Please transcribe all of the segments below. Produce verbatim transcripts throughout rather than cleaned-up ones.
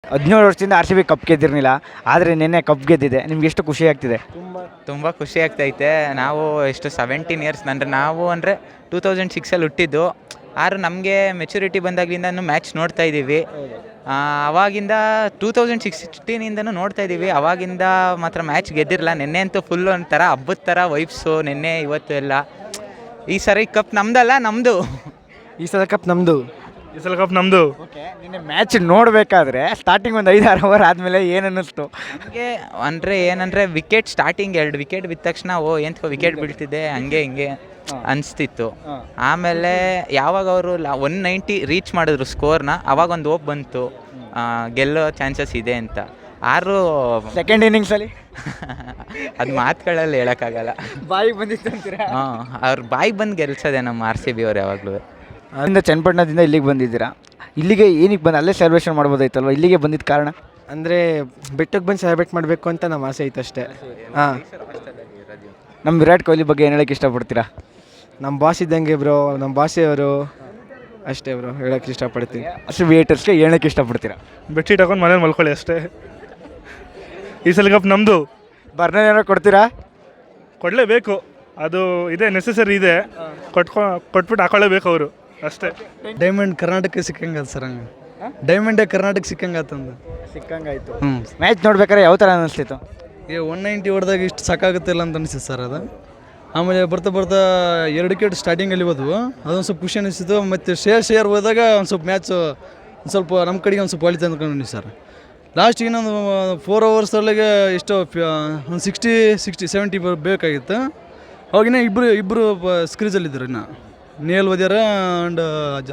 ಹದಿನೇಳು ವರ್ಷದಿಂದ R C B cup ಗೆದ್ದಿರಲಿಲ್ಲ, ಆದರೆ ನಿನ್ನೆ ಕಪ್ ಗೆದ್ದಿದೆ. ನಿಮ್ಗೆ ಎಷ್ಟು ಖುಷಿ ಆಗ್ತಿದೆ? ತುಂಬ ತುಂಬ ಖುಷಿ ಆಗ್ತೈತೆ. ನಾವು ಎಷ್ಟು ಸೆವೆಂಟೀನ್ ಇಯರ್ಸ್ ಅಂದರೆ ನಾವು ಅಂದರೆ ಟೂ ತೌಸಂಡ್ ಸಿಕ್ಸಲ್ಲಿ ಹುಟ್ಟಿದ್ದು. ಆದ್ರೆ ನಮಗೆ ಮೆಚುರಿಟಿ ಬಂದಾಗಲಿಂದನೂ ಮ್ಯಾಚ್ ನೋಡ್ತಾ ಇದ್ದೀವಿ. ಅವಾಗಿಂದ ಟೂ ತೌಸಂಡ್ ಸಿಕ್ಸ್ಟೀನಿಂದನೂ ನೋಡ್ತಾ ಇದ್ದೀವಿ. ಅವಾಗಿಂದ ಮಾತ್ರ ಮ್ಯಾಚ್ ಗೆದ್ದಿರಲ್ಲ. ನಿನ್ನೆ ಅಂತೂ ಫುಲ್ ಒಂಥರ ಹಬ್ಬದ ಥರ ವೈಬ್ಸು, ನಿನ್ನೆ ಇವತ್ತು ಎಲ್ಲ. ಈ ಸರಿ ಕಪ್ ನಮ್ದಲ್ಲ, ನಮ್ಮದು. ಈ ಸಲ ಕಪ್ ನಮ್ಮದು. ಈ ಸಲ ಕಪ್ ನಮ್ಮದು. ಓಕೆ, ನಿನ್ನೆ ಮ್ಯಾಚ್ ನೋಡಬೇಕಾದ್ರೆ ಸ್ಟಾರ್ಟಿಂಗ್ ಒಂದು ಐದು ಆರು ಓವರ್ ಆದಮೇಲೆ ಏನು ಅನ್ನಿಸ್ತು? ಹಂಗೆ ಅಂದರೆ ಏನಂದರೆ ವಿಕೆಟ್ ಸ್ಟಾರ್ಟಿಂಗ್ ಎರಡು ವಿಕೆಟ್ ಬಿದ್ದ ತಕ್ಷಣ ಓ ಎಂತ ವಿಕೆಟ್ ಬೀಳ್ತಿದೆ ಹಂಗೆ ಹಿಂಗೆ ಅನಿಸ್ತಿತ್ತು. ಆಮೇಲೆ ಯಾವಾಗ ಅವರು ಒನ್ ನೈಂಟಿ ರೀಚ್ ಮಾಡಿದ್ರು ಸ್ಕೋರ್ನ, ಅವಾಗ ಒಂದು ಓಪ್ ಬಂತು ಗೆಲ್ಲೋ ಚಾನ್ಸಸ್ ಇದೆ ಅಂತ. ಆರು ಸೆಕೆಂಡ್ ಇನ್ನಿಂಗ್ಸಲ್ಲಿ ಅದು ಮಾತುಗಳಲ್ಲಿ ಹೇಳೋಕ್ಕಾಗಲ್ಲ. ಬಾಯಿಗೆ ಬಂದಿತ್ತು ಅಂತೀರಾ? ಹಾಂ, ಅವ್ರ ಬಾಯಿಗೆ ಬಂದು ಗೆಲ್ಸೋದೆ ನಮ್ಮ ಆರ್ ಸಿ ಬಿ ಅವ್ರು ಯಾವಾಗಲೂ. ಅಲ್ಲಿಂದ ಚನ್ನಪಟ್ಟಣದಿಂದ ಇಲ್ಲಿಗೆ ಬಂದಿದ್ದೀರಾ. ಇಲ್ಲಿಗೆ ಏನಕ್ಕೆ ಬಂದು ಅಲ್ಲೇ ಸೆಲೆಬ್ರೇಷನ್ ಮಾಡ್ಬೋದಾಯ್ತಲ್ವ? ಇಲ್ಲಿಗೆ ಬಂದಿದ್ದ ಕಾರಣ ಅಂದರೆ ಬೆಟ್ಟಕ್ಕೆ ಬಂದು ಸೆಲೆಬ್ರೇಟ್ ಮಾಡಬೇಕು ಅಂತ ನಮ್ಮ ಆಸೆ ಇತ್ತು ಅಷ್ಟೇ. ಹಾಂ, ನಮ್ಮ ವಿರಾಟ್ ಕೊಹ್ಲಿ ಬಗ್ಗೆ ಏನು ಹೇಳೋಕ್ಕೆ ಇಷ್ಟಪಡ್ತೀರಾ? ನಮ್ಮ ಬಾಸ್ ಇದ್ದಂಗೆ ಬ್ರೋ, ನಮ್ಮ ಬಾಸಿಯವರು ಅಷ್ಟೇ ಬ್ರೋ ಹೇಳೋಕ್ಕೆ ಇಷ್ಟಪಡ್ತೀನಿ. ಅಷ್ಟು ವೇಟರ್ಸ್ಗೆ ಹೇಳೋಕ್ಕೆ ಇಷ್ಟಪಡ್ತೀರಾ? ಬೆಡ್ಶೀಟ್ ಹಾಕೊಂಡು ಮನೇಲಿ ಮಲ್ಕೊಳ್ಳಿ ಅಷ್ಟೇ. ಈ ಸಲ ಕಪ್ ನಮ್ಮದು. ಬರ್ನರ್ ಏನೋ ಕೊಡ್ತೀರಾ? ಕೊಡಲೇಬೇಕು, ಅದು ಇದೆ, ನೆಸೆಸರಿ ಇದೆ. ಕೊಟ್ಕೊ ಕೊಟ್ಬಿಟ್ಟು ಹಾಕೊಳ್ಳೇಬೇಕು ಅವರು ಅಷ್ಟೇ. ಡೈಮಂಡ್ ಕರ್ನಾಟಕ ಸಿಕ್ಕಂಗ ಸರ್, ಹಂಗೆ ಡೈಮಂಡೇ ಕರ್ನಾಟಕ ಸಿಕ್ಕಂಗಾತಂದು ಸಿಕ್ಕಂಗಾಯ್ತು. ಹ್ಞೂ, ಮ್ಯಾಚ್ ನೋಡ್ಬೇಕಾದ್ರೆ ಯಾವ ಥರ ಅನ್ನಿಸ್ತಿತ್ತು? ಈಗ ಒನ್ ನೈಂಟಿ ಹೊಡೆದಾಗ ಇಷ್ಟು ಸಾಕಾಗುತ್ತಿಲ್ಲ ಅಂತ ಅನಿಸಿತ್ತು ಸರ್ ಅದು. ಆಮೇಲೆ ಬರ್ತಾ ಬರ್ತಾ ಎರಡು ವಿಕೆಟ್ ಸ್ಟಾರ್ಟಿಂಗಲ್ಲಿ ಹೋದ್ವು, ಅದೊಂದು ಸ್ವಲ್ಪ ಖುಷಿ ಅನಿಸ್ತಿತ್ತು. ಮತ್ತು ಶೇರ್ ಶೇರ್ ಹೋದಾಗ ಒಂದು ಸ್ವಲ್ಪ ಮ್ಯಾಚ್ ಒಂದು ಸ್ವಲ್ಪ ನಮ್ಮ ಕಡೆಗೆ ಒಂದು ಸ್ವಲ್ಪ ಹೊಳಿತು ಅಂದ್ಕೊಂಡು ಸರ್. ಲಾಸ್ಟಿಗೆ ಇನ್ನೊಂದು ಫೋರ್ ಅವರ್ಸಲ್ಲಿಗೆ ಎಷ್ಟೋ ಒಂದು ಸಿಕ್ಸ್ಟಿ ಸಿಕ್ಸ್ಟಿ ಸೆವೆಂಟಿ ಬೇಕಾಗಿತ್ತು. ಅವಾಗಿನ ಇಬ್ಬರು ಇಬ್ಬರು ಸ್ಕ್ರೀಜಲ್ಲಿದ್ದರು. ಇನ್ನು ನೇಲ್ ವದ್ಯಾರ ಆ್ಯಂಡ್ ಜ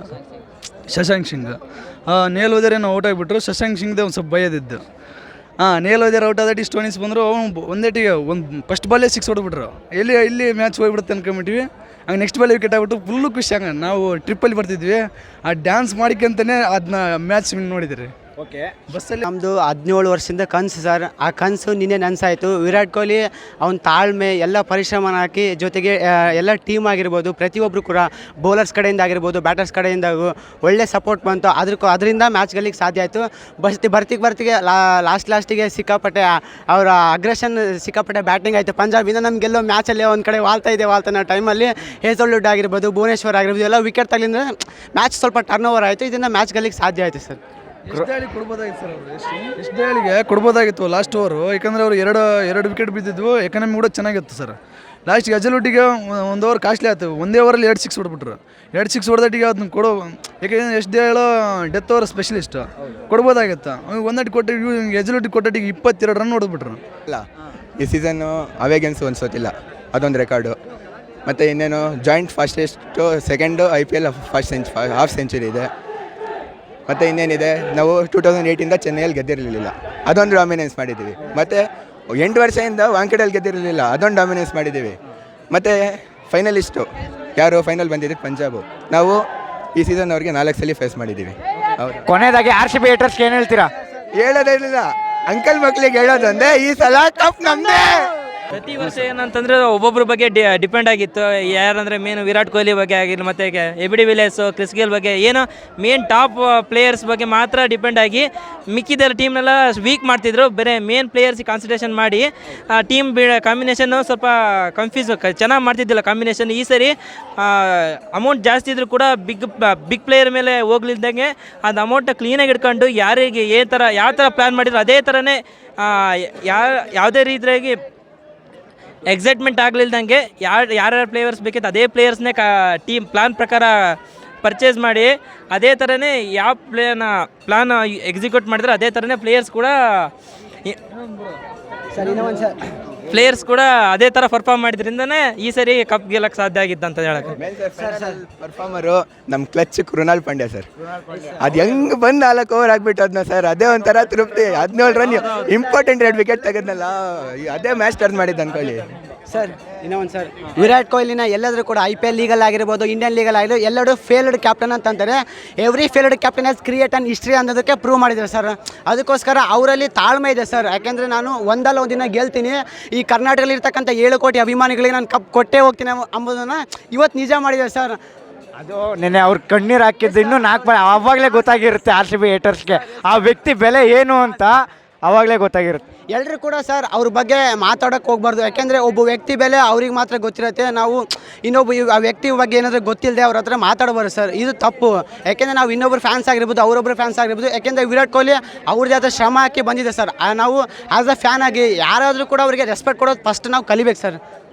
ಶಶಾಂಕ್ ಸಿಂಗ್. ನೇಲ್ ವದ್ಯಾರ ಏನೋ ಔಟ್ ಆಗಿಬಿಟ್ರು. ಶಶಾಂಕ್ ಸಿಂಗ್ದೇ ಒಂದು ಸ್ವಲ್ಪ ಭಯದಿದ್ದು. ಹಾಂ, ನೇಲ್ ವದ್ಯಾರ ಔಟ್ ಆದ ಇಷ್ಟು ಟೋನಿಸ್ ಬಂದರು. ಅವ್ನು ಒಂದೇಟಿಗೆ ಒಂದು ಫಸ್ಟ್ ಬಾಲೇ ಸಿಕ್ಸ್ ಹೊಡೆದ್ಬಿಟ್ರು. ಎಲ್ಲಿ ಇಲ್ಲಿ ಮ್ಯಾಚ್ ಹೋಗ್ಬಿಡುತ್ತೆ ಅನ್ಕೊಂಬಿಟ್ವಿ. ಹಂಗೆ ನೆಕ್ಸ್ಟ್ ಬಾಲ್ ವಿಕೆಟ್ ಆಗ್ಬಿಟ್ಟು ಫುಲ್ಲು ಖುಷಿ. ಹಂಗೆ ನಾವು ಟ್ರಿಪ್ಪಲ್ಲಿ ಬರ್ತಿದ್ವಿ, ಆ ಡ್ಯಾನ್ಸ್ ಮಾಡಿಕಂತಲೇ ಅದನ್ನ ಮ್ಯಾಚ್ ವಿನ್ ನೋಡಿದ್ರಿ. ಓಕೆ, ಬಸ್ಸಲ್ಲಿ ನಮ್ಮದು ಹದಿನೇಳು ವರ್ಷದಿಂದ ಕನಸು ಸರ್. ಆ ಕನಸು ನಿನ್ನೆ ನನಸಾಯಿತು. ವಿರಾಟ್ ಕೊಹ್ಲಿ ಅವನ ತಾಳ್ಮೆ ಎಲ್ಲ ಪರಿಶ್ರಮ ಹಾಕಿ, ಜೊತೆಗೆ ಎಲ್ಲ ಟೀಮ್ ಆಗಿರ್ಬೋದು, ಪ್ರತಿಯೊಬ್ಬರು ಕೂಡ ಬೌಲರ್ಸ್ ಕಡೆಯಿಂದ ಆಗಿರ್ಬೋದು, ಬ್ಯಾಟರ್ಸ್ ಕಡೆಯಿಂದ ಒಳ್ಳೆ ಸಪೋರ್ಟ್ ಬಂತು. ಅದ್ರ ಅದರಿಂದ ಮ್ಯಾಚ್ ಗೆಲ್ಲಿಕ್ಕೆ ಸಾಧ್ಯ ಆಯಿತು. ಬರ್ತಿ ಬರ್ತಿಗೆ ಬರ್ತಿಗೆ ಲಾಸ್ಟ್ ಲಾಸ್ಟಿಗೆ ಸಿಕ್ಕಾಪಟ್ಟೆ ಅವರ ಅಗ್ರೆಷನ್, ಸಿಕ್ಕಾಪಟ್ಟೆ ಬ್ಯಾಟಿಂಗ್ ಆಯಿತು. ಪಂಜಾಬಿಂದ ನಮ್ಗೆ ಗೆಲ್ಲೋ ಮ್ಯಾಚಲ್ಲಿ ಒಂದು ಕಡೆ ವಾಲ್ತಾ ಇದೆ. ವಾಲ್ತಾನ ಟೈಮಲ್ಲಿ ಹೇಸಲ್ವುಡ್ ಆಗಿರ್ಬೋದು, ಭುವನೇಶ್ವರ್ ಆಗಿರ್ಬೋದು, ಎಲ್ಲ ವಿಕೆಟ್ ತಗಲಿಂದ ಮ್ಯಾಚ್ ಸ್ವಲ್ಪ ಟರ್ನ್ ಓವರ್ ಆಯಿತು. ಇದರಿಂದ ಮ್ಯಾಚ್ ಗೆಲ್ಲಿಕ್ಕೆ ಸಾಧ್ಯ ಆಯಿತು ಸರ್. ಎಷ್ಟು ಹೇಳಿ ಕೊಡ್ಬೋದಾಗಿತ್ತು ಸರ್ ಅವರು, ಎಷ್ಟು ಎಷ್ಟು ಹೇಳಿಗೆ ಕೊಡ್ಬೋದಾಗಿತ್ತು ಲಾಸ್ಟ್ ಓವರು. ಯಾಕಂದರೆ ಅವರು ಎರಡು ಎರಡು ವಿಕೆಟ್ ಬಿದ್ದಿದ್ವು. ಎಕಾನಮಿ ಕೂಡ ಚೆನ್ನಾಗಿತ್ತು ಸರ್. ಲಾಸ್ಟಿಗೆ ಅಜಲೊಟ್ಟಿಗೆ ಒಂದು ಓವರ್ ಕಾಸ್ಟ್ಲಿ ಆಯ್ತು. ಒಂದೇ ಓವರಲ್ಲಿ ಎರಡು ಸಿಕ್ಸ್ ಹೊಡ್ಬಿಟ್ರು. ಎರಡು ಸಿಕ್ಸ್ ಹೊಡೆದಟ್ಟಿಗೆ ಅದನ್ನ ಕೊಡೋ, ಯಾಕೆಂದರೆ ಎಷ್ಟು ಹೇಳೋ ಡೆತ್ ಓವರ್ ಸ್ಪೆಷಲಿಸ್ಟ್ ಕೊಡ್ಬೋದಾಗಿತ್ತು. ಒಂದಟ್ಟು ಕೊಟ್ಟು ಎಜಲೊಟ್ಟಿಗೆ ಕೊಟ್ಟಟ್ಟಿಗೆ ಇಪ್ಪತ್ತೆರಡು ರನ್ ಹೊಡೆದ್ಬಿಟ್ರು. ಇಲ್ಲ, ಈ ಸೀಸನ್ನು ಅವೇ ಗೇಮ್ಸ್ ಒಂದು ಸೋತಿಲ್ಲ, ಅದೊಂದು ರೆಕಾರ್ಡು. ಮತ್ತು ಇನ್ನೇನು joint fastest second I P L first ಸೆಂಚ್ ಹಾಫ್ ಸೆಂಚುರಿ ಇದೆ. ಮತ್ತು ಇನ್ನೇನಿದೆ, ನಾವು ಟೂ ತೌಸಂಡ್ ಏಯ್ಟಿಂದ ಚೆನ್ನೈಯಲ್ಲಿ ಗೆದ್ದಿರಲಿಲ್ಲ, ಅದೊಂದು ಡಾಮಿನೆನ್ಸ್ ಮಾಡಿದ್ದೀವಿ. ಮತ್ತು ಎಂಟು ವರ್ಷದಿಂದ ವಾಂಕಡಲ್ಲಿ ಗೆದ್ದಿರಲಿಲ್ಲ, ಅದೊಂದು ಡಾಮಿನೆನ್ಸ್ ಮಾಡಿದ್ದೀವಿ. ಮತ್ತು ಫೈನಲಿಸ್ಟು ಯಾರು ಫೈನಲ್ ಬಂದಿದ್ದು ಪಂಜಾಬು, ನಾವು ಈ ಸೀಸನ್ ಅವ್ರಿಗೆ ನಾಲ್ಕು ಸಲ ಫೇಸ್ ಮಾಡಿದ್ದೀವಿ. ಹೌದು. ಕೊನೆಯದಾಗಿ ಆರ್ ಸಿ ಬಿ ಹೇಟರ್ಸ್ಗೆ ಏನು ಹೇಳ್ತೀರಾ? ಹೇಳೋದಿಲ್ಲ, ಅಂಕಲ್ ಮಕ್ಳಿಗೆ ಹೇಳೋದೊಂದೇ, ಈ ಸಲ ಕಪ್ ನಮ್ಮದೇ. ಪ್ರತಿ ವರ್ಷ ಏನಂತಂದರೆ ಒಬ್ಬೊಬ್ಬರ ಬಗ್ಗೆ ಡಿ ಡಿಪೆಂಡ್ ಆಗಿತ್ತು. ಯಾರಂದರೆ ಮೇನ್ ವಿರಾಟ್ ಕೊಹ್ಲಿ ಬಗ್ಗೆ ಆಗಿರಲಿ, ಮತ್ತು A B de Villiers, Chris Gayle ಬಗ್ಗೆ, ಏನೋ ಮೇನ್ ಟಾಪ್ ಪ್ಲೇಯರ್ಸ್ ಬಗ್ಗೆ ಮಾತ್ರ ಡಿಪೆಂಡ್ ಆಗಿ ಮಿಕ್ಕಿದ ಟೀಮ್ನೆಲ್ಲ ವೀಕ್ ಮಾಡ್ತಿದ್ರು. ಬೇರೆ ಮೇನ್ ಪ್ಲೇಯರ್ಸಿಗೆ ಕಾನ್ಸಂಟ್ರೇಷನ್ ಮಾಡಿ ಟೀಮ್ ಬಿ ಕಾಂಬಿನೇಷನ್ನು ಸ್ವಲ್ಪ ಕನ್ಫ್ಯೂಸ್ ಚೆನ್ನಾಗಿ ಮಾಡ್ತಿದ್ದಿಲ್ಲ ಕಾಂಬಿನೇಷನ್. ಈ ಸರಿ ಅಮೌಂಟ್ ಜಾಸ್ತಿ ಇದ್ದರೂ ಕೂಡ ಬಿಗ್ ಬಿಗ್ ಪ್ಲೇಯರ್ ಮೇಲೆ ಹೋಗ್ಲಿದ್ದಂಗೆ ಅದು ಅಮೌಂಟ್ ಕ್ಲೀನಾಗಿ ಇಟ್ಕೊಂಡು ಯಾರಿಗೆ ಏ ಥರ ಯಾವ ಥರ ಪ್ಲ್ಯಾನ್ ಮಾಡಿದ್ರು ಅದೇ ಥರನೇ ಯಾ ಯಾವುದೇ ರೀತಿಯಾಗಿ ಎಕ್ಸೈಟ್ಮೆಂಟ್ ಆಗಲಿಲ್ದಂಗೆ ಯಾರು ಯಾರ್ಯಾರು ಪ್ಲೇಯರ್ಸ್ ಬೇಕಿತ್ತು ಅದೇ ಪ್ಲೇಯರ್ಸ್ನೇ ಕಾ ಟೀಮ್ ಪ್ಲ್ಯಾನ್ ಪ್ರಕಾರ ಪರ್ಚೇಸ್ ಮಾಡಿ ಅದೇ ಥರನೇ ಯಾವ ಪ್ಲೇನ ಪ್ಲ್ಯಾನ್ ಎಕ್ಸಿಕ್ಯೂಟ್ ಮಾಡಿದ್ರೆ ಅದೇ ಥರನೇ ಪ್ಲೇಯರ್ಸ್ ಕೂಡ ಪ್ಲೇಯರ್ಸ್ ಕೂಡ ಅದೇ ಥರ ಪರ್ಫಾರ್ಮ್ ಮಾಡಿದ್ರಿಂದನೇ ಈ ಸರಿ ಕಪ್ ಗೆಲ್ಲಕ್ಕೆ ಸಾಧ್ಯ ಆಗಿತ್ತು ಅಂತ ಹೇಳಕ್ಕೆ. ಪರ್ಫಾರ್ಮರು ನಮ್ಮ ಕ್ಲಚ್ ಕೃಣಾಲ್ ಪಾಂಡ್ಯ ಸರ್. ಅದು ಹೆಂಗೆ ಬಂದು ನಾಲ್ಕು ಓವರ್ ಆಗಿಬಿಟ್ಟು ಅದನ್ನ ಸರ್, ಅದೇ ಒಂಥರ ತೃಪ್ತಿ. ಹದಿನೇಳು ರನ್ ಇಂಪಾರ್ಟೆಂಟ್ ಎರಡು ವಿಕೆಟ್ ತೆಗೆದ್ನಲ್ಲ, ಅದೇ ಮ್ಯಾಚ್ ಟರ್ನ್ ಮಾಡಿದ್ದು ಅನ್ಕೊಳ್ಳಿ ಸರ್. ಇನ್ನೂ ಒಂದು ಸರ್, ವಿರಾಟ್ ಕೊಹ್ಲಿನ ಎಲ್ಲಾದರೂ ಕೂಡ ಐ ಪಿ ಎಲ್ ಲೀಗಲ್ ಆಗಿರ್ಬೋದು, ಇಂಡಿಯನ್ ಲೀಗಲ್ ಆಗಿರ್ಬೋದು, ಎಲ್ಲರೂ ಫೇಲ್ಡ್ ಕ್ಯಾಪ್ಟನ್ ಅಂತಂತಾರೆ. Every failed captain has create an history ಅನ್ನೋದಕ್ಕೆ ಪ್ರೂವ್ ಮಾಡಿದ್ದಾರೆ ಸರ್. ಅದಕ್ಕೋಸ್ಕರ ಅವರಲ್ಲಿ ತಾಳ್ಮೆ ಇದೆ ಸರ್. ಯಾಕೆಂದರೆ ನಾನು ಒಂದಲ್ಲ ಒಂದು ದಿನ ಗೆಲ್ತೀನಿ, ಈ ಕರ್ನಾಟಕದಲ್ಲಿ ಇರ್ತಕ್ಕಂಥ ಏಳು ಕೋಟಿ ಅಭಿಮಾನಿಗಳಿಗೆ ನಾನು ಕಪ್ ಕೊಟ್ಟೇ ಹೋಗ್ತೀನಿ ಅಂಬೋದನ್ನು ಇವತ್ತು ನಿಜ ಮಾಡಿದ್ದಾರೆ ಸರ್. ಅದು ನೆನೆ ಅವ್ರು ಕಣ್ಣೀರು ಹಾಕಿದ್ದು ಇನ್ನೂ ನಾಲ್ಕು ಬಾರಿ ಆವಾಗಲೇ ಗೊತ್ತಾಗಿರುತ್ತೆ ಆರ್ ಸಿ ಬಿ ಹೇಟರ್ಸ್ಗೆ ಆ ವ್ಯಕ್ತಿ ಬೆಲೆ ಏನು ಅಂತ ಆವಾಗಲೇ ಗೊತ್ತಾಗಿರುತ್ತೆ. ಎಲ್ಲರೂ ಕೂಡ ಸರ್ ಅವ್ರ ಬಗ್ಗೆ ಮಾತಾಡೋಕ್ಕೆ ಹೋಗ್ಬಾರ್ದು. ಯಾಕೆಂದರೆ ಒಬ್ಬ ವ್ಯಕ್ತಿ ಬೆಲೆ ಅವ್ರಿಗೆ ಮಾತ್ರ ಗೊತ್ತಿರುತ್ತೆ. ನಾವು ಇನ್ನೊಬ್ಬ ಇವ್- ಆ ವ್ಯಕ್ತಿ ಬಗ್ಗೆ ಏನಾದರೂ ಗೊತ್ತಿಲ್ಲದೆ ಅವ್ರ ಹತ್ರ ಮಾತಾಡಬಾರ್ದು ಸರ್, ಇದು ತಪ್ಪು. ಯಾಕೆಂದರೆ ನಾವು ಇನ್ನೊಬ್ರು ಫ್ಯಾನ್ಸ್ ಆಗಿರ್ಬೋದು, ಅವರೊಬ್ಬರು ಫ್ಯಾನ್ಸ್ ಆಗಿರ್ಬೋದು. ಯಾಕೆಂದರೆ ವಿರಾಟ್ ಕೊಹ್ಲಿ ಅವ್ರದ್ದೇ ಆದ ಶ್ರಮ ಹಾಕಿ ಬಂದಿದೆ ಸರ್. ಆ ನಾವು ಆ್ಯಸ್ ಅ ಫ್ಯಾನ್ ಆಗಿ ಯಾರಾದರೂ ಕೂಡ ಅವರಿಗೆ ರೆಸ್ಪೆಕ್ಟ್ ಕೊಡೋದು ಫಸ್ಟ್ ನಾವು ಕಲಿಬೇಕು ಸರ್.